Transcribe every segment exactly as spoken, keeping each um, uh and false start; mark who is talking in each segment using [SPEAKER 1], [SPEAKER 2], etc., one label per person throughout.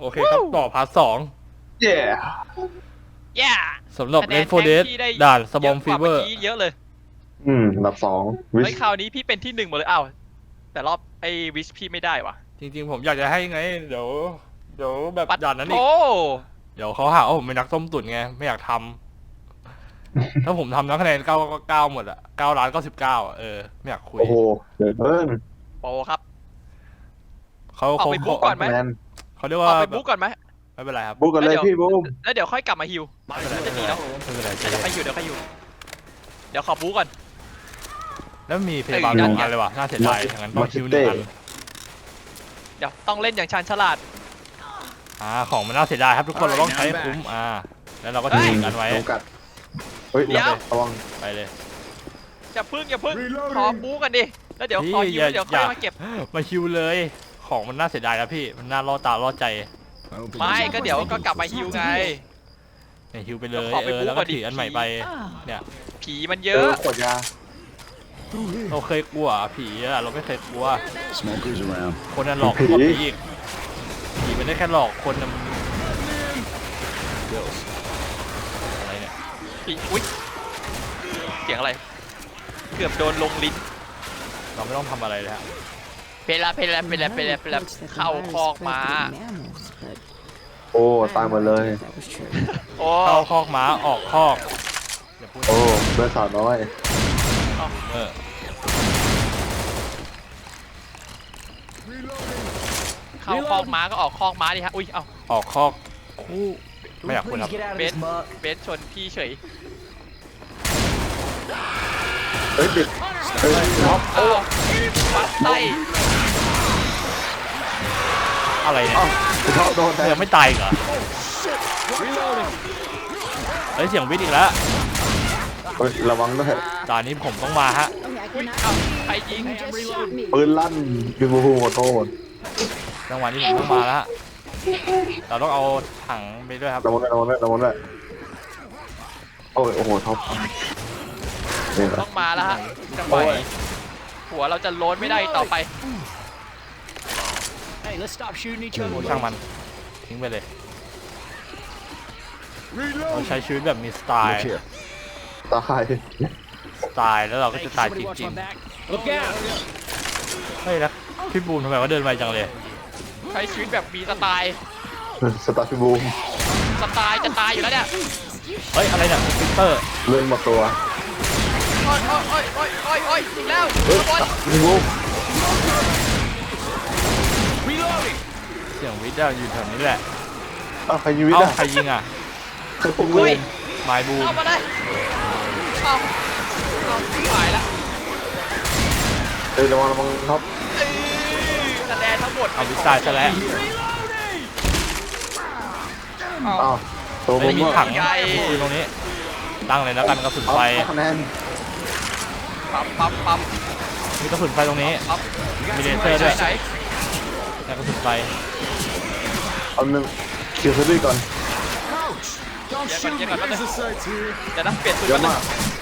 [SPEAKER 1] โอเคครับต่อพาร์ทสอง
[SPEAKER 2] เย่
[SPEAKER 3] แย่
[SPEAKER 1] สำหรับเลนโฟเดสด่านสบอมฟีเวอร์
[SPEAKER 3] เยอะเลย
[SPEAKER 2] อืมอันดับสองวิ
[SPEAKER 3] ไอ้คราวนี้พี่เป็นที่หนึ่งหมดเลยอ้าวแต่รอบไอ้วิชพี่ไม่ได้ว่ะ
[SPEAKER 1] จริงๆผมอยากจะให้ไงเดี๋ยวเดี๋ยวแบบด่านนั้นอีก
[SPEAKER 3] โอ้
[SPEAKER 1] เดี๋ยวเขาหาว่าผมเป็นนักต้มตุ๋นไงไม่อยากทำ ถ้าผมทำนักคะแนนเก้าก็เก้าหมดอะเก้าล้านเก้าสิบเก้าเออไม่อยากคุย
[SPEAKER 2] โอ้โหเดี๋ยวเพิ่ม
[SPEAKER 3] โปครับ
[SPEAKER 1] เขา
[SPEAKER 3] ออก
[SPEAKER 1] เขา
[SPEAKER 3] ไปบุ๊กก่อนไหม
[SPEAKER 2] คะแนน
[SPEAKER 1] เขาเรียก
[SPEAKER 3] อ
[SPEAKER 1] ว่า
[SPEAKER 3] อกไปบุ๊กก่อนไหม
[SPEAKER 1] ไม่เป็นไรครับ
[SPEAKER 2] บุ๊กกันเลยพี่บุ๊ก
[SPEAKER 3] แล้วเดี๋ยวค่อยกลับมาฮิว
[SPEAKER 1] ไม่เป็นไร
[SPEAKER 3] จะดีเนาะ
[SPEAKER 1] ไม่เป็นไร
[SPEAKER 3] เดี๋ยวค่อยฮิวเดี๋ยวค่อยฮิวเดี๋ยวขอบุ๊กก่อน
[SPEAKER 1] แล้วมีพยาบาล
[SPEAKER 3] เอ้ย
[SPEAKER 1] สอง
[SPEAKER 3] นั่นไง
[SPEAKER 1] อันเลยว่ะน่าเสียดายอย่างนั้นต้องคิวหนึ่งอัน
[SPEAKER 3] เดี๋ยวต้องเล่นอย่างชาญฉลาด
[SPEAKER 1] อ่าของมันน่าเสียดายครับทุกคนเราต้องใช้ให้คุ้มอ่าแล้วเราก็ทิ้งกันไว้
[SPEAKER 2] จำกัดเฮ้ย
[SPEAKER 3] เดี๋ยว
[SPEAKER 2] ระวัง
[SPEAKER 1] ไปเลย
[SPEAKER 3] อย่าพึ่งอย่าพึ่งขอบุ๊กกันดิแล้วเดี๋ยวขอฮิวเดี๋ยวค่อยมาเก็บ
[SPEAKER 1] มาคิวเลยของมันน่าเสียดายนะพี่มันน่าล่อตาล่อใจ
[SPEAKER 3] ไม่ก็เดี๋ยวก็กลับมาฮิวไง
[SPEAKER 1] เนี่ยฮิวไปเลย
[SPEAKER 3] ขอไป
[SPEAKER 1] เออแล้วก็
[SPEAKER 3] บุ๊กก่อนดิ
[SPEAKER 1] ถืออันใหม่ไปเนี่ย
[SPEAKER 3] ผีมันเย
[SPEAKER 2] เจอ
[SPEAKER 3] อะ
[SPEAKER 2] ขวดยา
[SPEAKER 1] เราเคยกลัวผีอะเราไม่เคยกลัว
[SPEAKER 4] Smokers around.
[SPEAKER 1] คนนั้นหลอกกว่าผีอีกผีมันได้แค่หลอกคนนั้นอะไรเนี่ย
[SPEAKER 3] ผีอุ้ยเสียงอะไร เกือบโดนลงลิ้น
[SPEAKER 1] เราไม่ต้องทำอะไรเลยฮะ
[SPEAKER 3] เพลาเพลาเพลาเพลาเพลาเข้าคอกม้า
[SPEAKER 2] โอ้ตายหมดเลย
[SPEAKER 3] โอ้
[SPEAKER 1] เข้าคอกม้าออกคอกอย่าพูด
[SPEAKER 2] โอ้เพื่อนสาวน้อย
[SPEAKER 1] เออ
[SPEAKER 3] เข้าคอกม้าก็ออกคอกม้าดิฮะอุ้ยเอ้า
[SPEAKER 1] ออกคอกคู่ไม่อยากพูดครับ
[SPEAKER 3] เบสเบสชนพี่เฉย
[SPEAKER 2] เฮ้ยติดเฮ้ยท็อป
[SPEAKER 3] เอ้าปัดไส้
[SPEAKER 1] อะไรเนี่ย
[SPEAKER 2] อ้าวคุณท็อปโดนแท
[SPEAKER 1] ยัง
[SPEAKER 2] ง
[SPEAKER 1] ไม่ตายอีกเหรอเฮ้ยเสียงวิทย์อีกแล้ว
[SPEAKER 2] เฮ้ยระวังด้วย
[SPEAKER 1] ตอนนี้ผมต้องมาฮะ
[SPEAKER 3] อุ้ยเอ้าใครยิง
[SPEAKER 2] ปืนลั่นพี่บูขอโทษ
[SPEAKER 1] จังหวะนี้ผมต้องมาแล้วฮะเราต้องเอาถังไปด้วยครับ
[SPEAKER 2] ระวังด้วยระวังด้วยระวังด้วยโอ้ยโอ้โหท็อปนี่แหละ
[SPEAKER 3] ต้องมาแล้วฮะจังหวะนี้หัวเราจะโล้นไม่ได้ต่อไป
[SPEAKER 4] Hey, let's stop shooting each
[SPEAKER 1] โอ้
[SPEAKER 4] other.
[SPEAKER 1] ช่างมันทิ้งไปเลยเราใช้ชีวิตแบบมีสไตล์
[SPEAKER 4] Look here.
[SPEAKER 2] ตาย
[SPEAKER 1] สไตล์แล้วเราก็
[SPEAKER 4] Hey,
[SPEAKER 1] จะ
[SPEAKER 4] can
[SPEAKER 1] ตาย
[SPEAKER 4] somebody
[SPEAKER 1] จ
[SPEAKER 4] watch
[SPEAKER 1] ริง
[SPEAKER 4] my back? Look out!
[SPEAKER 1] ๆเฮ้ยแล้วพี่บูมทำไมว่าเดินไวจังเลย
[SPEAKER 3] ใช้ชีวิตแบบมีสไตล์
[SPEAKER 2] สตาร์พี่บูม
[SPEAKER 3] สไตล์จะตายอยู่แล้วเนี่ย
[SPEAKER 1] เฮ้ยอะไรเนี่ยสปิเตอร์
[SPEAKER 2] เลื่อนหมดตัว
[SPEAKER 3] โอ้ยโอ้ยโอ้ยโอ้ยโอ้ยโอ้ยอีกแล้ว
[SPEAKER 2] เฮ้ย
[SPEAKER 3] โอ้ย
[SPEAKER 2] พี่บูม
[SPEAKER 4] Reloading!
[SPEAKER 1] เสียงวิทย์อะอยู่แถวนี้แหละ
[SPEAKER 2] อ้าวใครยิงวิท
[SPEAKER 1] เอ้า
[SPEAKER 2] ย์อ่ะ
[SPEAKER 1] ใครยิงอ่ะ
[SPEAKER 2] ใครปุ้ง
[SPEAKER 3] โอ้
[SPEAKER 2] เลย
[SPEAKER 3] ย
[SPEAKER 1] ไมายบูม
[SPEAKER 3] เอามาเลยเอาเอาหายละ
[SPEAKER 2] เฮ้ยระวังระวังท็อป
[SPEAKER 3] เอ้ยคะแนนทั้งหมด
[SPEAKER 1] เอาวิทย์ตายซะแล้ว
[SPEAKER 3] เอา
[SPEAKER 2] อ้าวตัวผ
[SPEAKER 1] ไม่
[SPEAKER 2] ม
[SPEAKER 1] มี
[SPEAKER 2] ก็
[SPEAKER 1] ถังปืนตรงนี้ ตั้งเลยแล้วกันกระสุน
[SPEAKER 2] เอา
[SPEAKER 1] ไฟ
[SPEAKER 2] คะแนน
[SPEAKER 3] ปั๊มปั๊มปั๊ม
[SPEAKER 1] มีกระสุนไฟตรงนี้
[SPEAKER 3] ปั๊ม
[SPEAKER 1] มีเลเซอร์ด้วย
[SPEAKER 3] ไหน
[SPEAKER 1] แล้วกระสุนไฟ
[SPEAKER 2] เอาหนึ่งคิวซิตี้ก่อน
[SPEAKER 4] Don't
[SPEAKER 3] Yeah,
[SPEAKER 4] shoot
[SPEAKER 3] but-
[SPEAKER 4] me.
[SPEAKER 3] yeah, but-
[SPEAKER 4] Here's the sights here.
[SPEAKER 3] เดี๋ยวนะเปลี่ยนปืน
[SPEAKER 2] เย
[SPEAKER 3] ก่อ
[SPEAKER 2] อะ
[SPEAKER 3] นนะ
[SPEAKER 2] มาก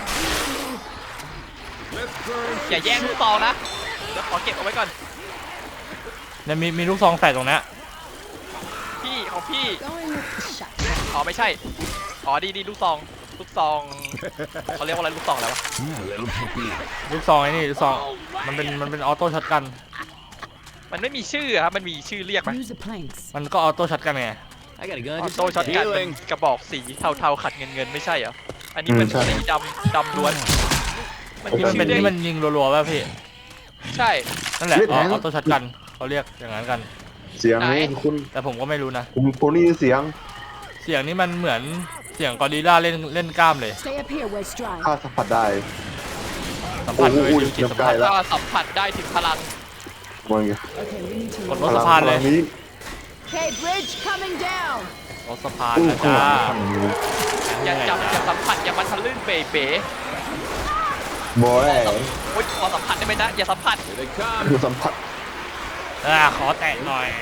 [SPEAKER 4] Let's burn.
[SPEAKER 3] อย่าแย่งลูกซองนะเดี๋ยวขอเก็บเอาไว้ก่อน
[SPEAKER 1] เนี่ยมีมีลูกซองใส่ตรงเนี้ย
[SPEAKER 3] พี่ของพี่อ๋อไม่ใช่อ๋อดีดีลูกซองลูกซองเขาเรียกว่าอะไรลูกซองแล้ววะ
[SPEAKER 4] Let him pick me up.
[SPEAKER 1] ลูกซองไอ้นี่ลูกซองมันเป็นมันเป็นออโต้ช็อตกัน
[SPEAKER 3] มันไม่มีชื่ออะครับมันมีชื่อเรียกไหม
[SPEAKER 5] Use the planks.
[SPEAKER 1] มันก็ออโต้ช็อตกันไง
[SPEAKER 4] I got a gun.
[SPEAKER 3] ออ
[SPEAKER 4] Just
[SPEAKER 3] โต้
[SPEAKER 4] like
[SPEAKER 3] ช็อต
[SPEAKER 4] that.
[SPEAKER 3] กันเป็น
[SPEAKER 4] Healing.
[SPEAKER 3] กระบอกสีเทาๆขัดเงินเงินๆไม่ใช่เหรออันนี้เป็นสีดำดำล้วนมัน
[SPEAKER 1] ที่
[SPEAKER 3] มี
[SPEAKER 1] มัน
[SPEAKER 3] ชื่
[SPEAKER 1] เป็
[SPEAKER 3] อน เรีย
[SPEAKER 1] ที่
[SPEAKER 3] ก
[SPEAKER 1] มันยิงรัวๆป่ะพี่
[SPEAKER 3] ใช่
[SPEAKER 1] นั่นแหละออโต้ช็อตกันเขาเรียกอย่างนั้นกัน
[SPEAKER 2] เสียงนี้คุณ
[SPEAKER 1] แต่ผมก็ไม่รู้นะ
[SPEAKER 2] ผมผมนี่เสียง
[SPEAKER 1] เสียงนี้มันเหมือนเสียงกอริลล่าเล่นเล่นกล้ามเลย
[SPEAKER 5] Stay up here, we're strong.
[SPEAKER 2] ข้าสัมผัสได้
[SPEAKER 1] สัมผัสด้วย
[SPEAKER 2] โอ้โห
[SPEAKER 1] ดิวจิตสัมผัส
[SPEAKER 2] เริ่มใกล้แล้ว
[SPEAKER 3] ก็สัมผัสได้ถึงพลัง
[SPEAKER 2] มองไง
[SPEAKER 5] Okay, we need
[SPEAKER 1] กด
[SPEAKER 5] to.
[SPEAKER 1] รถสะพานเลย
[SPEAKER 2] พงนี้
[SPEAKER 5] Okay, bridge coming down.
[SPEAKER 1] รถสะพาน
[SPEAKER 2] อู้
[SPEAKER 1] นะ
[SPEAKER 2] ข้าง
[SPEAKER 1] จ้า
[SPEAKER 2] หลังฝั่งนี้
[SPEAKER 3] อย่าจับอย่าสัมผัสอย่ามาทะลึ่งเป๋
[SPEAKER 2] บอย
[SPEAKER 3] ๆโอ๊ยขอสัมผัสได้ไหมนะอย่าสัมผัส
[SPEAKER 4] Here they come.
[SPEAKER 2] คือสัมผัส
[SPEAKER 1] อ่าขอแตะหน่อย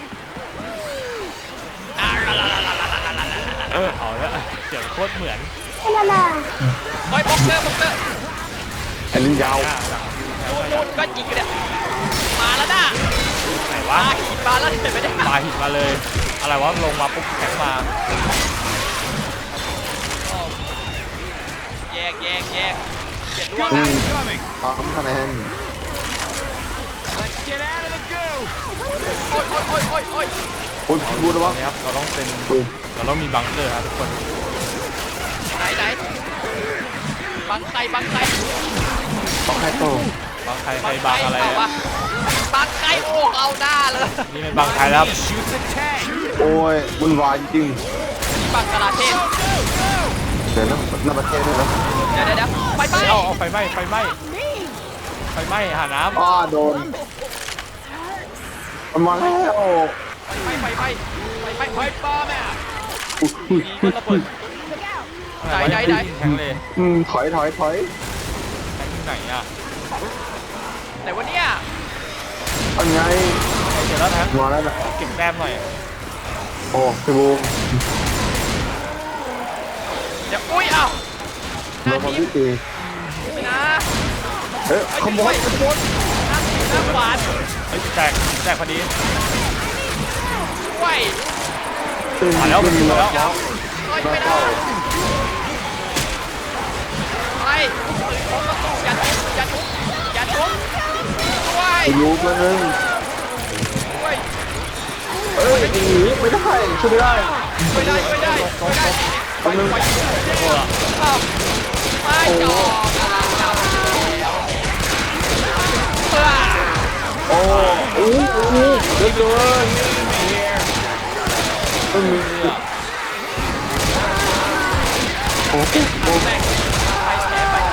[SPEAKER 1] เออเอาละเสียงโคตรเหมือน
[SPEAKER 3] โอ้ยบ็อกเซอร์บ็อกเซอร์
[SPEAKER 2] อันนี้ยาว
[SPEAKER 1] อ่าหลัง
[SPEAKER 3] นู่นนู่นก็ยิงกันเนี่ยมาแล้วนะ
[SPEAKER 1] ไหน
[SPEAKER 3] มาว
[SPEAKER 1] ะ
[SPEAKER 3] หินมาแล้วเห็นไหมเนี่ย
[SPEAKER 1] ปลาหินมาเลยอะไรวะลงมาปุ๊บแข็งมา
[SPEAKER 3] แยกแยกแยกเจ็ดร่วง
[SPEAKER 2] อื
[SPEAKER 3] นะ
[SPEAKER 2] ม
[SPEAKER 4] Coming.
[SPEAKER 2] พร้อมคะแนน
[SPEAKER 4] Let's get out of the goo.
[SPEAKER 3] โอ้ยโอ้ยโอ้ยโอ้ยโอ้ย
[SPEAKER 2] โอ้ยพูดแล้ววะ
[SPEAKER 1] นะครับเราต้องเป็น
[SPEAKER 2] อืม
[SPEAKER 1] เราต้องมีบังเกอร์ครับทุกคน
[SPEAKER 3] ไหนไหนบังใครบังใคร
[SPEAKER 2] ต้องให้โต
[SPEAKER 1] บังใครใครบังอะไร
[SPEAKER 3] เปล่า
[SPEAKER 1] อะ
[SPEAKER 3] วะบังใครโอ้เอาหน้าเลย
[SPEAKER 1] นี่ไม่บังใครแล้วครับ
[SPEAKER 4] Shoot the tank.
[SPEAKER 2] โอ้ยวุ่นวายจริง
[SPEAKER 3] นี่บังกลาเทศ
[SPEAKER 2] เดี๋ยวนะหน้าประเทศด้วยนะ
[SPEAKER 3] เดี๋ยวเดี๋ยวเดี๋ยวไปไป
[SPEAKER 1] เอาเอาไฟไหม้ไฟไหม้ไฟไหม้หาน้
[SPEAKER 2] อ้าโดนมันมาแล้ว
[SPEAKER 3] ไปไปไปไปไปไปป้าแม่
[SPEAKER 2] อุ้ยอุ้ย
[SPEAKER 3] มีคนระเบิด
[SPEAKER 1] ำ
[SPEAKER 3] ไหนไหนไหน
[SPEAKER 1] แข็งเลย
[SPEAKER 2] อืมถอยถอยถอย
[SPEAKER 1] แข็งที่ไหนอ่ะ
[SPEAKER 3] ไหนวะเนี่ย
[SPEAKER 2] อันไง
[SPEAKER 1] เดี๋ยวแล้วแท็ก
[SPEAKER 2] มาแล้วนะ
[SPEAKER 1] เก็บแต้มหน่อย
[SPEAKER 2] โอ้พี่บูม
[SPEAKER 3] เดี๋ยวอุ้ยเอ้าห
[SPEAKER 2] โด
[SPEAKER 3] น้าน
[SPEAKER 2] มา
[SPEAKER 3] ทีม
[SPEAKER 2] พี่ตี
[SPEAKER 3] ไม่นะ
[SPEAKER 2] เฮ้ยขโมยขโมย
[SPEAKER 3] หน้าทีมหน้าขวาน
[SPEAKER 1] เฮ้ยแตกแตกพอดี
[SPEAKER 3] ไหว
[SPEAKER 1] มาแล้วมันอยู่แล้ว
[SPEAKER 3] เฮ้ยไม่ได้ไปอย่าทุบอย่าทุบอย่าทุบไหว
[SPEAKER 2] ไปยูมาหนึ่ง
[SPEAKER 3] ไหว
[SPEAKER 2] เอ้ยหนีไม่ได้ช่วยไม่ได้
[SPEAKER 3] ไม่ได้ไม่ได้ไม่ได้
[SPEAKER 2] ตรงนึง
[SPEAKER 3] อ้าวไม่จอกกำลังจับเพื่อ
[SPEAKER 2] โอ้โอ้โอ้เดือดเกินไม่มีโอ้โหโอ้
[SPEAKER 3] แม่งไปแชร์ไป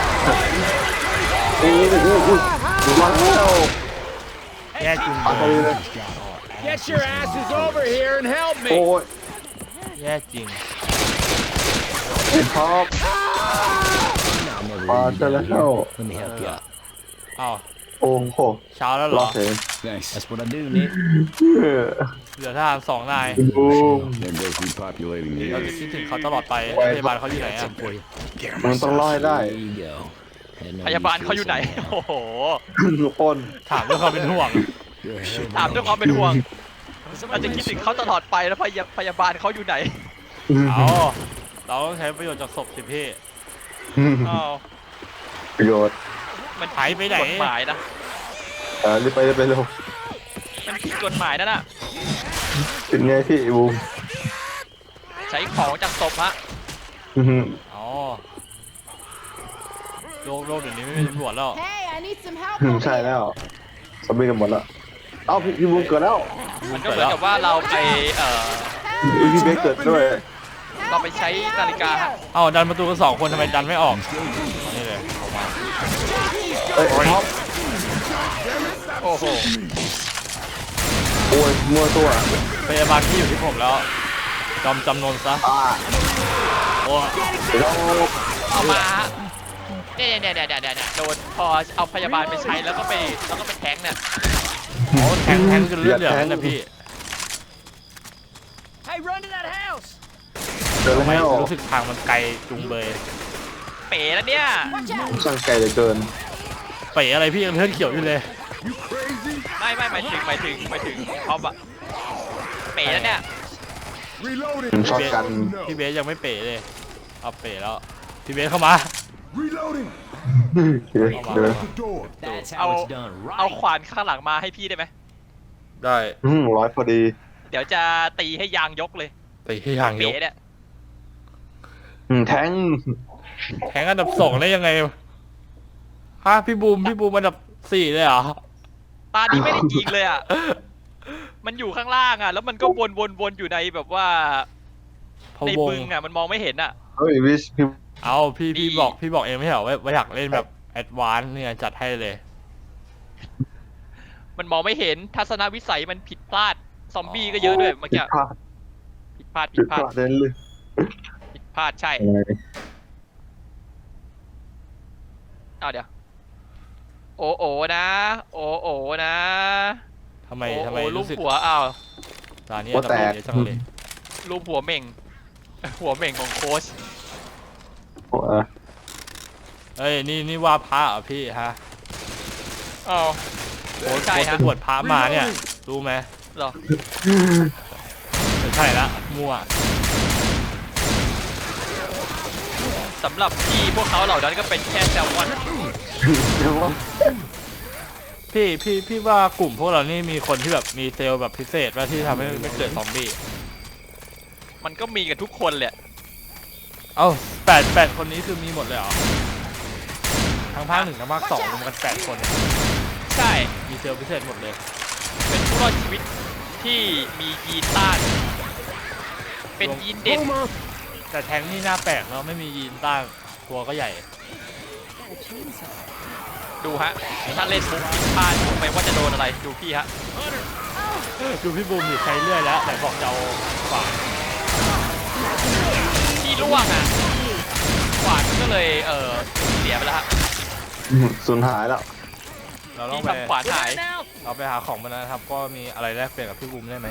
[SPEAKER 2] โอ้โหโอ้โหมาแล้ว
[SPEAKER 1] แย่จริง
[SPEAKER 2] อะไรเลย
[SPEAKER 4] Get your asses over here and help
[SPEAKER 2] โอ้
[SPEAKER 4] me.
[SPEAKER 2] ย
[SPEAKER 1] แย่จริง
[SPEAKER 2] เห็นท็อปมาเจอแล้ว
[SPEAKER 6] Let me help you out.
[SPEAKER 1] อ้าว
[SPEAKER 2] โอ้โห
[SPEAKER 1] เช้าแล้วเห
[SPEAKER 2] ร
[SPEAKER 1] ร
[SPEAKER 2] อ
[SPEAKER 1] อ
[SPEAKER 2] เห็น
[SPEAKER 4] Thanks.
[SPEAKER 6] That's what I do, Nick.
[SPEAKER 1] เหลือทหารสองนาย
[SPEAKER 2] บูม
[SPEAKER 4] There goes repopulating the
[SPEAKER 1] เราจะ
[SPEAKER 4] area.
[SPEAKER 1] คิดถึงเขาตลอดไปพยาบาลเขาอยู่ไหนอ่ะ
[SPEAKER 6] For you.
[SPEAKER 2] มันต้องรอให้ได้
[SPEAKER 6] There you go. Had no
[SPEAKER 3] พยาบาล
[SPEAKER 6] use
[SPEAKER 3] เขาอยู่ไหน
[SPEAKER 6] for this
[SPEAKER 3] โอ้โห
[SPEAKER 2] ทุกคน
[SPEAKER 1] ถามด้วยความเป็นห่วง
[SPEAKER 6] You're a hell of a
[SPEAKER 3] ถามด้วยความเป็นห่วงเราจะคิดถึงเขาตลอดไปแล้วพยาพยาบาลเขาอยู่ไหน
[SPEAKER 1] เอาเราต้องใช้ประโยชน์จากศพสิพี่
[SPEAKER 3] อ้าว
[SPEAKER 2] ประโยชน์
[SPEAKER 3] มัน
[SPEAKER 1] หายไปไหน
[SPEAKER 3] กฎหมายนะ
[SPEAKER 2] เออรีบไปรีบไปเร็ว
[SPEAKER 3] มันผิดกฎหมายนั่นน่ะ
[SPEAKER 2] เป็นไงพี่บูม
[SPEAKER 3] ใช้ของจากศพฮะ
[SPEAKER 2] อื้อหือ
[SPEAKER 1] อ๋อโลกโลกเดี๋ยวนี้ไม่มีตำรวจแล้ว
[SPEAKER 5] Hey, I need some help.
[SPEAKER 2] อืม
[SPEAKER 5] over
[SPEAKER 2] ใช่
[SPEAKER 5] here.
[SPEAKER 2] แล้วสมบีกันหมดแล้วเอ้าพี่พี่บูมเกิดแล้ว
[SPEAKER 3] มันก็เหมือนกับว่าเราไปเอ่อ
[SPEAKER 2] อุ๊ยพี่เบสเกิดด้วย
[SPEAKER 3] เราไปใช้นาฬิกาฮะ
[SPEAKER 1] เอ้าดันประตูกันสองคนทำไมดันไม่ออกเอานี่เลยออกมา
[SPEAKER 2] เอ้ยท็อป
[SPEAKER 3] โอ้โห
[SPEAKER 2] โอ้ยมัวตัว
[SPEAKER 1] พยาบาลที่อยู่ที่ผมแล้วยอมจำนนซะ
[SPEAKER 2] อ่า
[SPEAKER 1] โอ้
[SPEAKER 2] เดี๋ยวเรา
[SPEAKER 3] เอามาฮะเนี่ยเนี่ยเนี่ยเนี่ยเนี่ยเนี่ยโดนพอเอาพยาบาลไปใช้แล้วก็ไปแล้วก็ไปแทงเนี่ย
[SPEAKER 1] โหแทงแทงจนเลือดเหลืองนั่นนะพี่
[SPEAKER 3] Hey run to that house
[SPEAKER 2] เดิน
[SPEAKER 1] ทำไม
[SPEAKER 2] แล้ว
[SPEAKER 1] รู้สึกทางมันไกลจุงเบย
[SPEAKER 3] เป๋แล้วเนี่ย
[SPEAKER 5] Watch out.
[SPEAKER 2] ช่างไกลเหลือเกิน
[SPEAKER 1] เป๋อะไรพี่ยังเลือดเขียวอยู่เลย
[SPEAKER 3] ไม่ไม่หมายถึงหมายถึงหมายถึงท็อปอะเป๋แล้วเนี่ย
[SPEAKER 4] Reloading.
[SPEAKER 2] ช็อตกัน
[SPEAKER 1] พี่เบสยังไม่เป๋เลยเอาเป๋แล้วพี่เบสเข้ามา
[SPEAKER 4] Reloading.
[SPEAKER 2] เดี๋ยวเดี๋ยว
[SPEAKER 4] The door.
[SPEAKER 6] That's
[SPEAKER 3] I'll-
[SPEAKER 6] how it's done,
[SPEAKER 3] เอา
[SPEAKER 6] right?
[SPEAKER 3] ขวานข้างหลังมาให้พี่ได้ไหม
[SPEAKER 1] ได้
[SPEAKER 2] อืมร้อยพอดี
[SPEAKER 3] เดี๋ยวจะตีให้ยางยกเลย
[SPEAKER 1] ตีที่ทางย
[SPEAKER 3] เป๋
[SPEAKER 1] ก
[SPEAKER 3] เนี่ย
[SPEAKER 2] อืมแทง
[SPEAKER 1] แทงอันดับสองได้ยังไงฮะพี่บูมพี่บูมอันดับสี่เลยเหรอ
[SPEAKER 3] ตานี้ไม่ได้ยิงเลยอะมันอยู่ข้างล่างอะแล้วมันก็วนวนวนอยู่ในแบบว่า
[SPEAKER 1] พะ
[SPEAKER 3] ใน
[SPEAKER 1] วง
[SPEAKER 3] บึงอะมันมองไม่เห็นอะ
[SPEAKER 2] เฮ้ยวิชพี่
[SPEAKER 1] เอาพี่พี่
[SPEAKER 3] ดี
[SPEAKER 1] บอกพี่บอกเองไม่ใช่เหรอว่าว่าอยากเล่นแบบแอดวานซ์เนี่ยจัดให้เลย
[SPEAKER 3] มันมองไม่เห็นทัศนวิสัยมันผิดพลาดซอมบี้ก็เยอะด้วยเมื่อ
[SPEAKER 2] ผิ
[SPEAKER 3] กี้
[SPEAKER 2] ดพลาด
[SPEAKER 3] ผิดพลาดผิ
[SPEAKER 2] ผิ
[SPEAKER 3] ด
[SPEAKER 2] ด
[SPEAKER 3] พ
[SPEAKER 2] พ
[SPEAKER 3] ลาด
[SPEAKER 2] ลาดเล่นเลย
[SPEAKER 3] ผิดพลาดใช่
[SPEAKER 2] อะไร
[SPEAKER 3] เอาเดี๋ยวโอโอนะ โอโอนะ
[SPEAKER 1] ทำไม
[SPEAKER 3] โอ
[SPEAKER 1] ทำไม
[SPEAKER 3] โอรูป
[SPEAKER 1] รู้สึก
[SPEAKER 3] หัวอ้าว
[SPEAKER 1] ตอนนี้
[SPEAKER 2] หัว
[SPEAKER 1] อันดับ
[SPEAKER 2] แตก
[SPEAKER 1] เยอะจังเลย
[SPEAKER 3] รูปหัวเหม่ง หัวเหม่งของโค้ช
[SPEAKER 2] โอ้ย
[SPEAKER 1] เอ้ยนี่นี่ว่าพระเหรอพี่ฮะ
[SPEAKER 3] อ้าว
[SPEAKER 1] โค้ช
[SPEAKER 3] ใช่
[SPEAKER 1] โค้ช
[SPEAKER 3] ฮะ
[SPEAKER 1] ไปบวชพระมาเนี่ยรู้ไหม
[SPEAKER 3] เหรอ
[SPEAKER 1] ช่ละมั่ว
[SPEAKER 3] สำหรับพี่พวกเขาเหล่านั้นก็เป็นแค่แซลมอน
[SPEAKER 1] พี่พี่พี่ว่ากลุ่มพวกเรานี่มีคนที่แบบมีเซลล์แบบพิเศษว่าที่ทำให้ไม่เกิดซอมบี้
[SPEAKER 3] มันก็มีกันทุกคนแหละ
[SPEAKER 1] เอ้าแปดแปดคนนี้คือมีหมดเลยเหรอทั้งภาคหนึ่งทั้งภาคสองรวมกันแปดคนเนี่ย
[SPEAKER 3] ใช่
[SPEAKER 1] มีเซลล์พิเศษหมดเลย
[SPEAKER 3] เป็นผู้รอดชีวิตที่มียีนต้าน เป็นยีนเด็ด
[SPEAKER 4] Boomer.
[SPEAKER 1] แต่แทงนี่น่าแปลกเนาะไม่มียีนต้านตัวก็ใหญ่
[SPEAKER 3] ดูฮะ ถ้าเล่นมุกผิดพลาดรู้ไหมว่าจะโดนอะไร ดูพี่ฮะ
[SPEAKER 1] ดูพี่บูมอยู่ใช้เลื่อยแล้วแต่บอกจะเอาฝา
[SPEAKER 3] ที่ล่วงอ่ะขวานก็เลย เออเสียไปแล้วฮะ
[SPEAKER 2] สูญหายแล้ว
[SPEAKER 1] เราต้อ
[SPEAKER 3] ที่
[SPEAKER 1] งไป
[SPEAKER 3] ทำขวานหาย
[SPEAKER 1] เราไปหาของมาแล้วนะครับ ก็มีอะไรแลกเปลี่ยนกับพี่บูมได้ไหม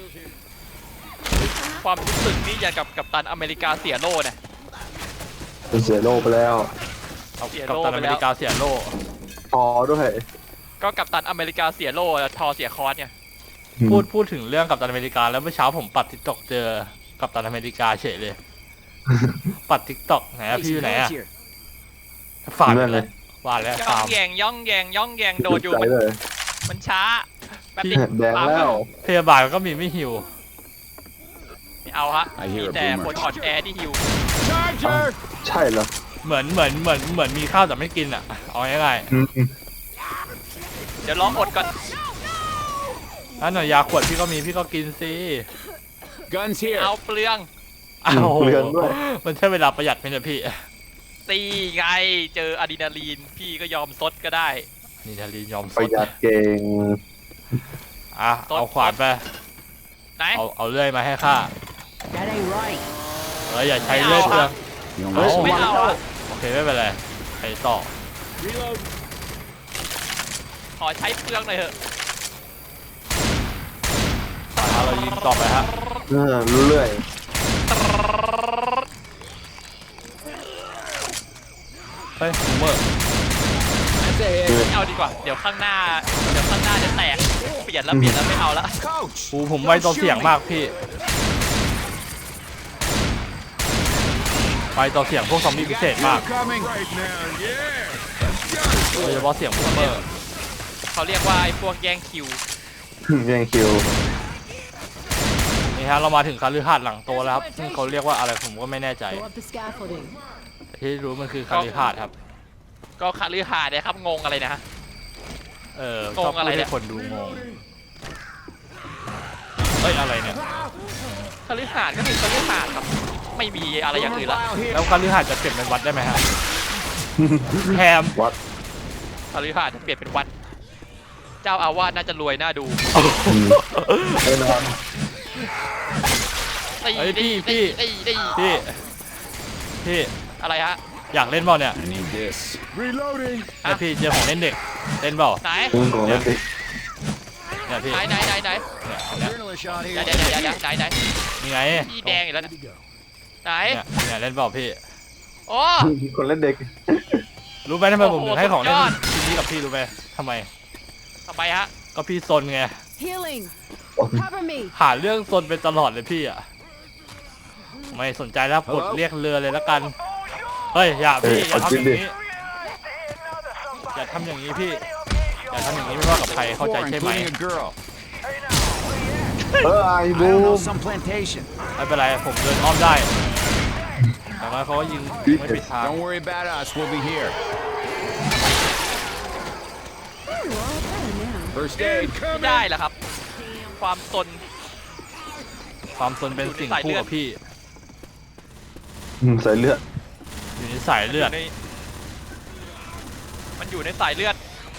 [SPEAKER 3] ความรู้สึกนี่อย่างกับกัปตันอเมริกาเสียโล่เนี่ย
[SPEAKER 2] เป็นเสียโลไปแล้ว
[SPEAKER 1] เอา
[SPEAKER 3] เสีย
[SPEAKER 1] กับ
[SPEAKER 3] โล่
[SPEAKER 1] ตัน
[SPEAKER 3] ไป
[SPEAKER 1] อ
[SPEAKER 3] แล้ว
[SPEAKER 1] เมริกาเสียโล่
[SPEAKER 2] พอด้วย
[SPEAKER 3] ก็กัปตันอเมริกาเสียโล่ทอเสียคอนเนี่ย
[SPEAKER 1] พูดพูดถึงเรื่องกับตันอเมริกาแล้วเมื่อเช้าผมปัดทิกตอกเจอกับตันอเมริกาเฉยเลย ปัดทิกตอกไหนอะพี่อยู่ไหนอะฝาด
[SPEAKER 2] นั่น
[SPEAKER 1] เล
[SPEAKER 2] เลย ย
[SPEAKER 1] ฝาดแล้ว
[SPEAKER 3] ย่อ
[SPEAKER 1] ฟาง ร์ม
[SPEAKER 3] แยงย่องแยงย่องแยงโดนอยู่
[SPEAKER 2] ใจ
[SPEAKER 3] มัน
[SPEAKER 2] เลย
[SPEAKER 3] มันช้าแป๊บ
[SPEAKER 1] พี่
[SPEAKER 3] นึง
[SPEAKER 2] แดงแล้ว
[SPEAKER 1] พยาบาลก็มีไม่หิว
[SPEAKER 3] ไม่เอาฮะ
[SPEAKER 4] I hear
[SPEAKER 3] มี
[SPEAKER 4] a
[SPEAKER 3] แต่
[SPEAKER 4] boomer.
[SPEAKER 3] คนอ่อนแอที่ฮิว
[SPEAKER 4] Charger.
[SPEAKER 2] ใช่เหรอ
[SPEAKER 1] เหมือนเหมือนเหมือนเหมือนมีข้าวแต่ไม่กินอะเอาง่าย
[SPEAKER 2] อืม
[SPEAKER 3] เดี๋ยวลองอดก่อน
[SPEAKER 1] ๆถ้าหน่อยยาขวดพี่ก็มีพี่ก็กินสิ
[SPEAKER 4] Guns here.
[SPEAKER 3] เอาเปลือง
[SPEAKER 1] อ้าว
[SPEAKER 2] เปลืองด้วย
[SPEAKER 1] มันใช่เวลาประหยัดไหมเนี่ยพี่
[SPEAKER 3] ตีไงเจออะดรีนาลีนพี่ก็ยอมซดก็ได้
[SPEAKER 1] นี่นาลีนยอม
[SPEAKER 2] ป
[SPEAKER 1] ส
[SPEAKER 2] ระ
[SPEAKER 1] ด
[SPEAKER 2] หยัดเก่ง
[SPEAKER 1] อ่ะเอาขวานไป
[SPEAKER 3] ไหน
[SPEAKER 1] เอาเอาเลื่อยมาให้ข้า
[SPEAKER 5] That ain't right.
[SPEAKER 1] เอออย่าใช้เลื่อยเปลือง
[SPEAKER 4] You don't
[SPEAKER 1] เฮ้ย
[SPEAKER 4] like
[SPEAKER 3] ไม่
[SPEAKER 4] some-
[SPEAKER 3] เอาอะ
[SPEAKER 1] โอเคไม่เป็นไรไปต่อ
[SPEAKER 4] Reload.
[SPEAKER 3] ขอใช้เปลืองหน่อยเถอะ
[SPEAKER 1] เอาเรายิงต่อไปฮะ
[SPEAKER 2] เออรู้เรื่อย
[SPEAKER 1] เฮ้ยบูมเมอร์
[SPEAKER 4] That's a hit.
[SPEAKER 3] ไม่เอาดีกว่า เดี๋ยวข้างหน้า เดี๋ยวข้างหน้าจะแตก เปลี่ยนแล้วเปลี่ยนแล้วไม่เอาละ
[SPEAKER 4] Coach.
[SPEAKER 1] กูผมไวต่อเสียงมากพี่ไวต่อเสียงพวกซอมบี้พิเศษมาก
[SPEAKER 4] Coming. Right now. Yeah.
[SPEAKER 1] โดยเฉพาะเสียงบูมเมอร์
[SPEAKER 3] เขาเรียกว่าไอ้พวกแย่งคิว
[SPEAKER 2] แย่งคิว
[SPEAKER 1] นี่ฮะเรามาถึงคาลือหาดหลังโตแล้วครับซึ่งเขาเรียกว่าอะไรผมก็ไม่แน่ใจ
[SPEAKER 5] Go up the scaffolding.
[SPEAKER 1] แต่ที่รู้มันคือคาลือหาดครับ
[SPEAKER 3] ก็คาลือหาดเนี่ยครับงงอะไรนะฮะ
[SPEAKER 1] เออง
[SPEAKER 3] ง
[SPEAKER 1] ชอบ
[SPEAKER 3] อะไร
[SPEAKER 1] พูด
[SPEAKER 3] เนี่
[SPEAKER 1] ให้
[SPEAKER 3] ย
[SPEAKER 1] คนดูงงเฮ้ยอะไรเนี่ย
[SPEAKER 3] คาลือหาดก็คือคาลือหาดครับ ไม่มีอะไรอย่างอื่นละ
[SPEAKER 4] File here.
[SPEAKER 1] แล้วคาลือหาดจะเปลี่ยนเป็นวัดได้ไหมฮะแฮม
[SPEAKER 2] วัด
[SPEAKER 3] คาลือหาดจะเปลี่ยนเป็นวัด เจ้าอาวาสน่าจะรวยน่าดู
[SPEAKER 2] แน่นอน
[SPEAKER 3] ตี
[SPEAKER 1] เฮ้ย
[SPEAKER 3] ตี
[SPEAKER 1] พี่
[SPEAKER 3] ตี
[SPEAKER 1] พี่
[SPEAKER 3] ตีตี
[SPEAKER 1] พี่พี่
[SPEAKER 3] อะไรฮะ
[SPEAKER 1] อยากเล่นเปล่าเนี่ย
[SPEAKER 4] I need this. Reloading.
[SPEAKER 1] เนี่ยพี่เจอของเล่นเด็กเล่นเปล่า
[SPEAKER 3] ไหน
[SPEAKER 2] มึงของเล่นดิ
[SPEAKER 1] เนี่ยพี่
[SPEAKER 3] ไหนไหนไหนไหน
[SPEAKER 1] เนี่ยเนี่ย
[SPEAKER 4] Adrenaline shot
[SPEAKER 3] เดี๋ยว
[SPEAKER 4] here.
[SPEAKER 3] เดี๋ยวเดี๋ยวเดี๋ยวไหนไหน
[SPEAKER 1] นี่ไง
[SPEAKER 3] พี่แดงอีกแล้วนะไหน
[SPEAKER 1] เนี่ยเนี่ยเล่นเปล่าพี่
[SPEAKER 3] โอ้
[SPEAKER 2] คนเล่นเด็ก
[SPEAKER 1] รู้ไหมทำไมผมถึงให้ของเล่น
[SPEAKER 3] โอ้โห
[SPEAKER 1] ชิ้นนี้กับพี่รู้ไหมทำไม
[SPEAKER 3] ทำไมฮะ
[SPEAKER 1] ก็พี่ซนไง
[SPEAKER 5] Healing. Cover me.
[SPEAKER 1] หาเรื่องซนไปตลอดเลยพี่อ่ะไม่สนใจแล้วกดเรียกเรือเลยแล้วกันเฮ้ยอย่าพี่อย่าทำอย่างนี้อย่าทำอย่างนี้พี่อย่าทำอย่างนี้ไม่ว่ากับใครเข้าใจ
[SPEAKER 4] Four,
[SPEAKER 1] ใช่ไหม
[SPEAKER 4] including a girl.
[SPEAKER 2] เออไอ้
[SPEAKER 4] I
[SPEAKER 2] บู
[SPEAKER 4] don't
[SPEAKER 2] ม
[SPEAKER 4] know some plantation.
[SPEAKER 1] ไม่เป็นไรผมเดินอ้อมได้แต่ว่าเขาก็ยิงไม่ปิดทาง
[SPEAKER 4] Don't worry about us. We'll be here. First aid.
[SPEAKER 3] ไม่ได้เหรอครับ ความตน
[SPEAKER 1] ความซนเป็นสิ่งคู่กับพี่
[SPEAKER 2] อืมใส่เลือด
[SPEAKER 1] อยู่ในสายเลือด
[SPEAKER 3] ในมันอยู่ในสายเลือด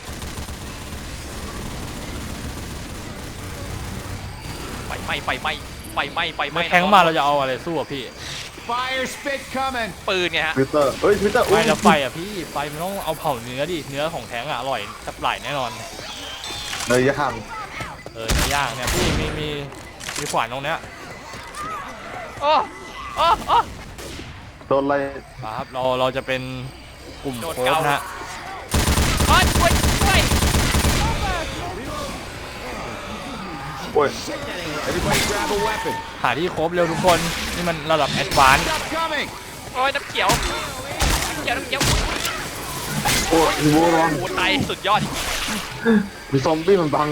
[SPEAKER 3] ไฟไหม้ไฟไหม้ไฟไหม้ไฟไหม้
[SPEAKER 1] ไม่แทงมาเราจะเอาอะไรสู้อ่ะพี่
[SPEAKER 4] Fire spit coming.
[SPEAKER 3] ปืนไงฮะ
[SPEAKER 2] ทวิตเตอร์เฮ้ยทวิตเตอร์
[SPEAKER 1] ไม่แล้วไฟอ่ะพี่ไฟมันต้องเอาเผาเนื้อดิเนื้อของแทงอ่ะอร่อยสับไหลแน่นอน
[SPEAKER 2] เลยย่าง
[SPEAKER 1] เออเนื้อย่างเนี่ยพี่มีมีมีขวานตรงเนี้ย
[SPEAKER 3] โอ้โอ้โอ้
[SPEAKER 2] โดนอะไร
[SPEAKER 1] ครับเราเราจะเป็นกลุ่ม
[SPEAKER 3] โดน
[SPEAKER 1] โค้ช
[SPEAKER 3] เกา
[SPEAKER 1] นะฮะ
[SPEAKER 3] โอ้ยช่วยช่วย
[SPEAKER 2] โอ้ย
[SPEAKER 4] Everybody grab a weapon.
[SPEAKER 1] หาที่ครบเร็วทุกคนนี่มันระดับแอดวานซ์
[SPEAKER 4] Stop coming.
[SPEAKER 3] โอ้ยน้ำเขียวน้ำเขียวน้ำเขียว
[SPEAKER 2] โอ้ยโว้ร้อน
[SPEAKER 3] โอ้ตายสุดยอดจริง
[SPEAKER 2] มีซอมบี้มันบัง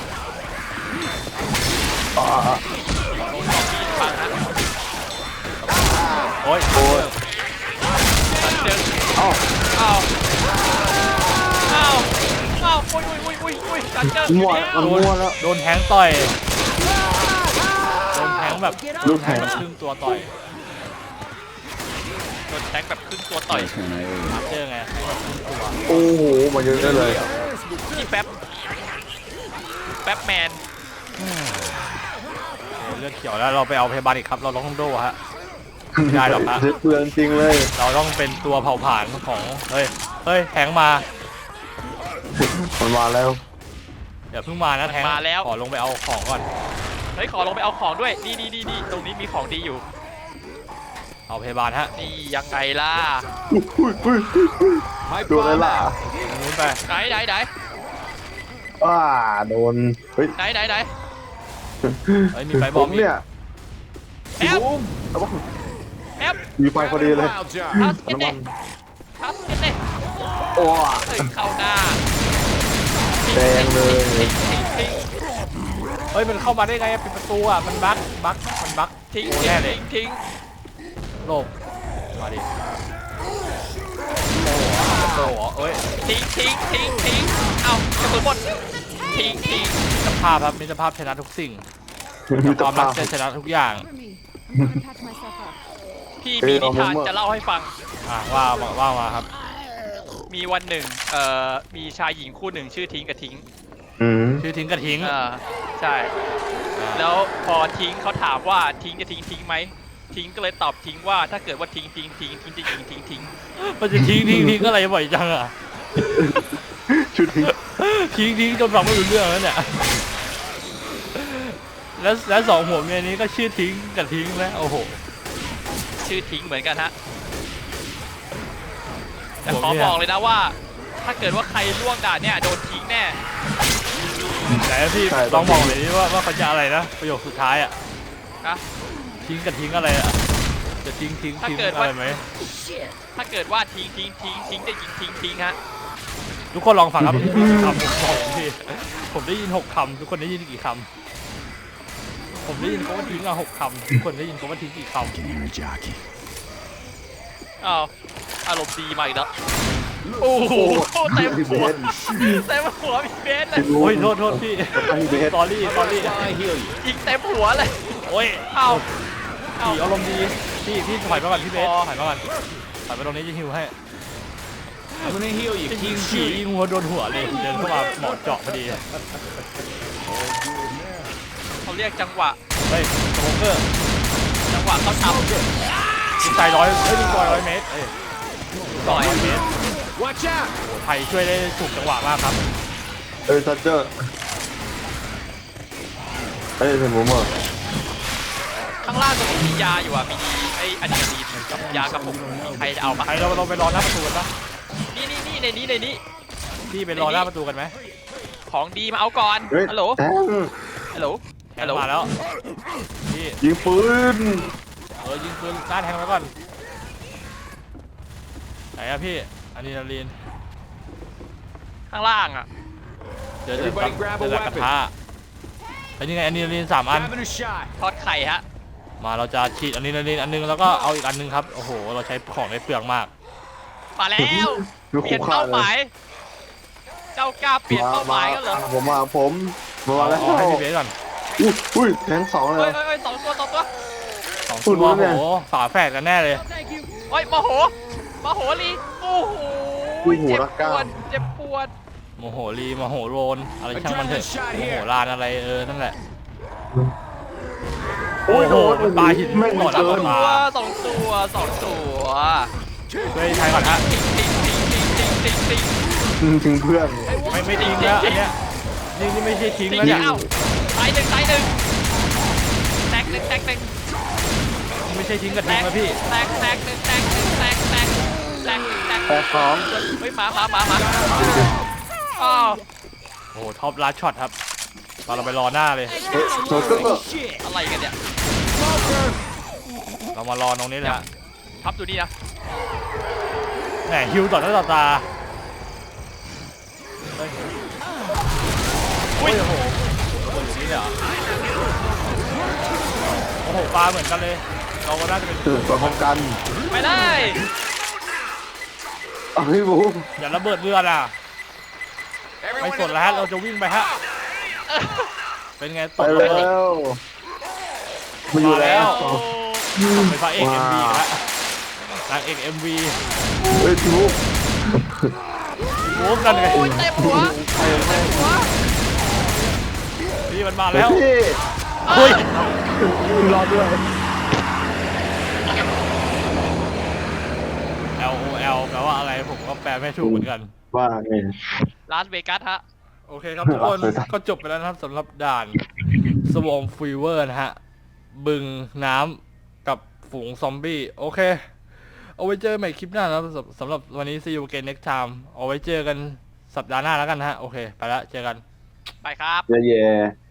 [SPEAKER 2] อ่า
[SPEAKER 3] ๆโดนซอมบี้ฟังนะ
[SPEAKER 1] โอ้ย
[SPEAKER 2] โอ้ย
[SPEAKER 3] ตันเดิน
[SPEAKER 2] เอ้า
[SPEAKER 3] อ้าวอ้าวอ้าวอุ้ยอุ้ยอุ้ยอุ้ยอุ้ยตันเดิน
[SPEAKER 2] มั่วมันมั่วแล้ว
[SPEAKER 1] โดนแทงต่อยโดนแทงแบบ
[SPEAKER 2] ลูก
[SPEAKER 1] แท
[SPEAKER 2] แข็
[SPEAKER 1] ง
[SPEAKER 2] ง
[SPEAKER 1] แบบครึ่งตัวต่อย
[SPEAKER 3] โดนแทงแบบครึ่งตัวต่อย
[SPEAKER 1] เจอไงให้แบบครึ่งตัว
[SPEAKER 2] โอ้โหมาเยอะได้เลย
[SPEAKER 3] นี่แป๊บแป๊บแมน
[SPEAKER 1] เลือดเขียวแล้วเราไปเอาพยาบาลอีกครับเราต้องโดฮะไม่ได้หรอกฮะ
[SPEAKER 2] เจ็บเปลืองจริงเลย
[SPEAKER 1] เราต้องเป็นตัวเผาผลาญของเฮ้ยเฮ้ยแทงมา
[SPEAKER 2] มันมาแล้ว
[SPEAKER 1] เดี๋ยวเพิ่งมานะแทงขอลงไปเอาของก่อน
[SPEAKER 3] เฮ้ยขอลงไปเอาของด้วยนี่นี่นี่นี่ตรงนี้มีของดีอยู่
[SPEAKER 1] เอาพยาบาลฮะ
[SPEAKER 3] นี่ยังไงล่ะ
[SPEAKER 4] My
[SPEAKER 2] โดนอะไร
[SPEAKER 4] bomb
[SPEAKER 2] ล่ะ
[SPEAKER 4] out.
[SPEAKER 1] ตรงนู้นไป
[SPEAKER 3] ไหนไหนไหน
[SPEAKER 2] ว้าโดนเฮ้ย
[SPEAKER 3] ไหนไหนไหน
[SPEAKER 1] เฮ้ยมีไฟบ
[SPEAKER 2] ผ
[SPEAKER 1] อม
[SPEAKER 2] ม
[SPEAKER 1] อีก
[SPEAKER 2] เนี่ย
[SPEAKER 3] แอป
[SPEAKER 2] เอาวะ
[SPEAKER 3] แอป
[SPEAKER 2] มีไฟพอดีเลย
[SPEAKER 4] Wild job.
[SPEAKER 3] ทัสเก็ต
[SPEAKER 2] น้ำ
[SPEAKER 3] เด้
[SPEAKER 2] มัน
[SPEAKER 3] ทัสเก็ตเด้
[SPEAKER 2] โอ้
[SPEAKER 3] เฮ้ยเข้าหน้า
[SPEAKER 2] แดงเลย
[SPEAKER 3] ทิ้งทิ้งทิ้ง
[SPEAKER 1] เฮ้ยมันเข้ามาได้ไงปิดประตูอ่ะมันบั๊กบั๊กมันบั๊ก
[SPEAKER 3] ทิ้ง
[SPEAKER 1] โอ้
[SPEAKER 3] ทิ้
[SPEAKER 1] แน่
[SPEAKER 3] ง
[SPEAKER 1] เลย
[SPEAKER 3] ทิ้ง
[SPEAKER 1] โลบมาดิโอ้โหเอ้ย
[SPEAKER 3] ทิ้งทิ้งทิ้งทิ้งเอากระสุนหมดทิ้งทิ้ง
[SPEAKER 1] มิตรภาพครับมิตรภาพชนะทุกสิ่ง
[SPEAKER 2] มี
[SPEAKER 1] ค
[SPEAKER 2] ตะ
[SPEAKER 1] วามรั
[SPEAKER 2] ภาก พ
[SPEAKER 1] จะชนะทุกอย่าง
[SPEAKER 5] Cover me. I'm gonna patch myself up.
[SPEAKER 3] พี่มีนิทานจะเล่าให้ฟัง
[SPEAKER 1] อ่ะว่าว่าว่ามาครับ
[SPEAKER 3] มีวันหนึ่งเอ่อมีชายหญิงคู่หนึ่งชื่อทิ้งกับทิ้ง
[SPEAKER 2] อืม
[SPEAKER 1] ชื่อทิ้งกระทิ้ง
[SPEAKER 3] เออใช่
[SPEAKER 1] อ่า
[SPEAKER 3] แล้วพอทิ้งเขาถามว่าทิ้งจะทิ้งทิ้งไหมทิ้งก็เลยตอบทิ้งว่าถ้าเกิดว่าทิ้งทิ้งทิ้งทิ้งจะยิงทิ้งทิ้ง
[SPEAKER 1] มันจะทิ้งทิ้งทิ้งอะไรบ่อยจังอ่ะ
[SPEAKER 2] ชุดทิ้ง
[SPEAKER 1] ทิ้งทิ้งจนฟังไม่รู้เรื่องแล้วเนี่ยแล้วแล้วสองหัวเมียนี้ก็ชื่อทิ้งกับทิ้งแล้วโอ้โห
[SPEAKER 3] ชื่อทิ้งเหมือนกันฮะแต่
[SPEAKER 1] ผม
[SPEAKER 3] ขอ
[SPEAKER 1] เนี่ย
[SPEAKER 3] บอกเลยนะว่า ถ้าเกิดว่าใครล่วงด่านเนี่ยโดนทิ้งแน่
[SPEAKER 1] ไหนอะพี่ลองบอกเลยดิว่าว่าเขาจะอะไรนะประโยคสุดท้ายอ่ะ
[SPEAKER 3] นะ
[SPEAKER 1] ทิ้งกับทิ้งอะไรอ่ะจะทิ้งทิ้งทิ้งอะไรไหม
[SPEAKER 3] ถ้าเกิดว่าทิ้งทิ้งทิ้งทิ้งจะยิงทิ้งทิ้งฮะ
[SPEAKER 1] ทุกคนลองฟังครับคำผมบอกพี่ผมได้ยินหกคำทุกคนได้ยินกี่คำผมได้ยินเขาว่าทิ้งอ่ะหกคำทุกคนได้ยินเขาว่าทิ้งกี่คำ
[SPEAKER 3] อ้าวอารมณ์ดีมาอีกแล้วโอ้โหเต็มหัวเต็มหัวพี่เบสเลย
[SPEAKER 1] โอ้ยโทษโทษพี่
[SPEAKER 2] ไอ้เบส
[SPEAKER 1] สอรี่สอรี่
[SPEAKER 4] I heal you.
[SPEAKER 3] ยิงเต็มหัวเลย
[SPEAKER 1] โอ้ย
[SPEAKER 3] เอ้าเอ้า
[SPEAKER 1] พี่อารมณ์ดีพี่พี่ถอยมาก่อนพี่เบส
[SPEAKER 3] พอ
[SPEAKER 1] ถอยมาก่อนถอยมาตรงนี้จะฮิวให้
[SPEAKER 4] I'm gonna heal you.
[SPEAKER 1] จะยิง
[SPEAKER 4] Keep
[SPEAKER 1] ขี่
[SPEAKER 4] shooting.
[SPEAKER 1] ยิงหัวโดนหัวเลยเดินเข้ามาหมอเจาะพอดี
[SPEAKER 3] เขาเรียกจังหวะ
[SPEAKER 1] เฮ้ยสโมเกอร์
[SPEAKER 3] จังหวะเขาท
[SPEAKER 1] ยิงไกลร้อยเอ้ยยิงไกลร้อยเมตรเอ้ย
[SPEAKER 3] ำ
[SPEAKER 1] สองร้อยเมตร
[SPEAKER 4] Watch out.
[SPEAKER 1] โอ้ไทยช่วยได้ถูกจังหวะมากครับ
[SPEAKER 2] เอ้ยซัตเจอร์เอ้ยเป็นผมอ่ะ
[SPEAKER 3] ข้างล่างตรงนี้มียาอยู่อ่ะมีไอ้อะดรีนาลีนกับยากระปุกมีใครจะเอาปะ
[SPEAKER 1] ไทยเราเราไปรอหน้าประตูกันปะ
[SPEAKER 3] นี่นี่นี่ในนี้ในนี้
[SPEAKER 1] พี่ไปรอหน้าประตูกันไหม
[SPEAKER 3] ของดีมาเอาก่อน
[SPEAKER 2] เฮ้ย
[SPEAKER 3] ฮัลโหล
[SPEAKER 2] แทง
[SPEAKER 3] ฮัลโหล
[SPEAKER 1] แท
[SPEAKER 3] ฮัล
[SPEAKER 1] ง
[SPEAKER 3] โหล
[SPEAKER 1] มาแล้วพี่
[SPEAKER 2] ยิงปืน
[SPEAKER 1] เออยิงปืนหน้าแทงไว้ก่อนไหนอะพี่อะดรีนาลีน
[SPEAKER 3] ข้างล่างอ่ะ
[SPEAKER 1] เดี๋ยวเดี๋ยว
[SPEAKER 4] Everybody grab a
[SPEAKER 1] เดี๋ยวกระ
[SPEAKER 4] weapon
[SPEAKER 1] ทะไอ้นี่ไงอะดรีนาลีนสามอัน
[SPEAKER 4] Having a shot.
[SPEAKER 3] ทอดไข่ฮะ
[SPEAKER 1] มาเราจะฉีดอะดรีนาลีนอันนึงแล้วก็เอาอีกอันนึงครับโอ้โหเราใช้ของในเปลืองมาก
[SPEAKER 3] มาแล้ว
[SPEAKER 2] คือ
[SPEAKER 3] เปลี่
[SPEAKER 2] คู่
[SPEAKER 3] ยน
[SPEAKER 2] ค่า
[SPEAKER 3] เป้า
[SPEAKER 2] เล
[SPEAKER 3] หมาย ย เจ้ากล้าเปลี่ยนเป้าหมายกันเหรอ
[SPEAKER 2] ผมมาผมมาแล้ว
[SPEAKER 1] เอาให้พี่เบสก่อน
[SPEAKER 2] อุ้ยอุ้ยแทงสองเล
[SPEAKER 3] เฮ้
[SPEAKER 2] ย
[SPEAKER 3] ยเฮ้ยเฮ้ยสองตัวสองตัว
[SPEAKER 1] สอง
[SPEAKER 2] พู
[SPEAKER 1] ตั
[SPEAKER 2] ด
[SPEAKER 1] ว
[SPEAKER 2] รู้
[SPEAKER 1] โอ้
[SPEAKER 2] เนี่ย
[SPEAKER 1] โหฝาแฝดกันแน่เลย
[SPEAKER 3] เฮ้ยโมโหโมโหลีโอ้โห
[SPEAKER 2] อุ้ยหู
[SPEAKER 3] เจ็บ
[SPEAKER 2] รัก
[SPEAKER 3] ป
[SPEAKER 2] ก้าว
[SPEAKER 3] ดเจ็บปวด
[SPEAKER 1] โมโหรีโมโหโรนอะไรช่างมันเถอะโมโหลานอะไรเออนั่นแหละ
[SPEAKER 2] โอ้ยโดน
[SPEAKER 1] มันปาหิน
[SPEAKER 2] ไม่
[SPEAKER 1] ก่อนแล้ว
[SPEAKER 2] เกิน
[SPEAKER 1] มา
[SPEAKER 3] ตัวสองตัวสองตัว
[SPEAKER 1] ช่วยไทยก่อนฮะ
[SPEAKER 3] ติ๊งติ๊งติ๊งติ๊งติ๊งติ๊งติ๊ง
[SPEAKER 2] ถึงเพื่อน
[SPEAKER 1] ไม่ไม่ทิ้งแล้วอันเนี้ยนี่นี่ไม่ใช่ทิ้ง
[SPEAKER 3] ติ๊ง
[SPEAKER 1] แล้วเนี่ย
[SPEAKER 3] เอ้าตายหนึ่งตายหนึ่งแตกหนึ่งแตกหนึ่ง
[SPEAKER 1] ไม่ใช่ทิ้งกับ
[SPEAKER 3] แต
[SPEAKER 1] ทิ้ง
[SPEAKER 3] ก
[SPEAKER 1] แล้วพี่
[SPEAKER 3] แตกแตกหนึ่งแตกหนึ่งแตกแตกแตกแตก
[SPEAKER 2] แปดสอง
[SPEAKER 3] เฮ้ยหมาหมาหมาหมาอ้าว
[SPEAKER 1] โอ้โหท็อปลัดช็อตครับตอนเราไปรอหน้าเลย
[SPEAKER 2] เฮ้ยโชว์ก็ก็
[SPEAKER 3] อะไรกันเนี่ย
[SPEAKER 1] เรามารอตรงนี้เลยฮะ
[SPEAKER 3] พับดูนี่นะ
[SPEAKER 1] แหมฮิวต่อหน้าต่อตาเฮ้ยโอ้ยโอ้โหตัวอย่างนี้เลยเหรอโอ้โหปลาเหมือนกันเลย เราก็น่าจะเป็น
[SPEAKER 2] ตื่นตัวพร้อมกัน
[SPEAKER 3] ไม่ได้
[SPEAKER 2] เอาให้บูม
[SPEAKER 1] อย่าระเบิดเรือน่ะไม่สนแล้วฮะเราจะวิ่งไปฮะเป็นไงต
[SPEAKER 2] ไป
[SPEAKER 1] ก
[SPEAKER 2] แล้
[SPEAKER 1] ไป
[SPEAKER 2] วมาอยู่แล้ว
[SPEAKER 3] โอ้
[SPEAKER 1] เป็นพระเอกเอ็มวีแล้วนางเอกเอ็มวี
[SPEAKER 2] เฮ้ยพี่บูม
[SPEAKER 1] โว้กันไง
[SPEAKER 3] โอ้ยเต็มหัวเต็มหัว
[SPEAKER 1] พี่มันมา
[SPEAKER 2] เฮ้ย
[SPEAKER 1] แล้ว
[SPEAKER 2] พี่
[SPEAKER 1] เฮ้ย
[SPEAKER 2] รอด้วย
[SPEAKER 1] L O L แปลว่าอะไรผมก็แปลไม่ถูกเหมือนกัน
[SPEAKER 2] ว่าไง
[SPEAKER 3] ลาสเวกัสฮะ
[SPEAKER 1] โอเคครับทุกคน ก็จบไปแล้วนะครับสำหรับด่านสวอมฟีเวอร์นะฮะ บึงน้ำกับฝูงซอมบี้ โอเค เอาไว้เจอใหม่คลิปหน้านะครับสำสำหรับวันนี้ see you again next time เอาไว้เจอกันสัปดาห์หน้าแล้วกันนะฮะ โอเค ไปแล้วเจอกัน
[SPEAKER 3] ไปครับ
[SPEAKER 2] เย่